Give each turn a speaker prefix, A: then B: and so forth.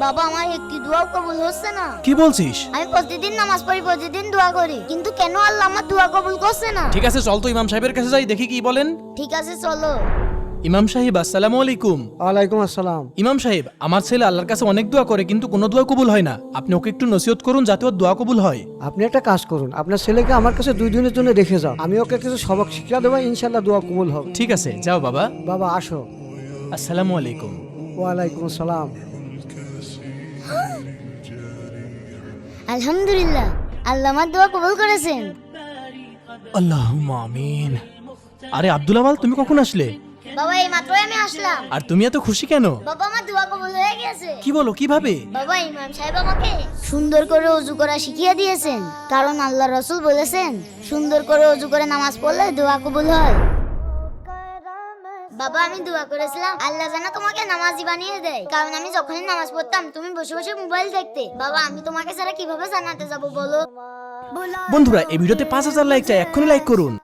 A: বাবা আমার একটি দোয়া কবুল হচ্ছে না।
B: কি বলছিস?
A: আমি প্রতিদিন নামাজ পড়ি, প্রতিদিন দোয়া করি, কিন্তু কেন আল্লাহ আমার দোয়া কবুল করছে না?
B: ঠিক আছে, চল তো ইমাম সাহেবের কাছে যাই, দেখি কি বলেন।
A: ঠিক আছে চলো।
B: ইমাম সাহেব আসসালামু আলাইকুম।
C: ওয়ালাইকুম আসসালাম।
B: ইমাম সাহেব, আমার ছেলে আল্লাহর কাছে অনেক দোয়া করে কিন্তু কোনো দোয়া কবুল হয় না। আপনি ওকে একটু নসিহত করুন যাতে ওর দোয়া কবুল হয়।
C: আপনি একটা কাজ করুন, আপনার ছেলেকে আমার কাছে 2 দিনের জন্য রেখে যাও, আমি ওকে কিছু সবক শিক্ষা দেবো, ইনশাল্লাহ দোয়া কবুল হবে।
B: ঠিক আছে, যাও বাবা।
C: বাবা আসো।
B: আসসালামু আলাইকুম।
C: ওয়ালাইকুম আসসালাম।
A: আলহামদুলিল্লাহ, আল্লাহ আমার দোয়া কবুল করেছেন।
B: আল্লাহুম্মা আমিন। আরে আব্দুল আওয়াল, তুমি কখন আসলে?
A: বাবা এই মাত্রই আমি আসলাম।
B: আর তুমি এত খুশি কেন?
A: বাবা আমার দোয়া কবুল হয়ে গেছে।
B: কি বলো, কিভাবে?
A: বাবা ইমাম সাহেব আমাকে সুন্দর করে ওযু করা শিখিয়ে দিয়েছেন, কারণ আল্লাহ রাসূল বলেছেন সুন্দর করে ওযু করে নামাজ পড়লে দোয়া কবুল হয়। বাবা আমি দোয়া করেছিলাম আল্লাহ যেন তোমাকে নামাজি বানিয়ে দেয়, কারণ আমি যখনই নামাজ পড়তাম তুমি বসে বসে মোবাইল দেখতে। বাবা আমি তোমাকে ছাড়া কিভাবে জান্নাতে যাব বলো?
B: বন্ধুরা, এই ভিডিওতে 5000 লাইক চাই, এক্ষুনি লাইক করুন।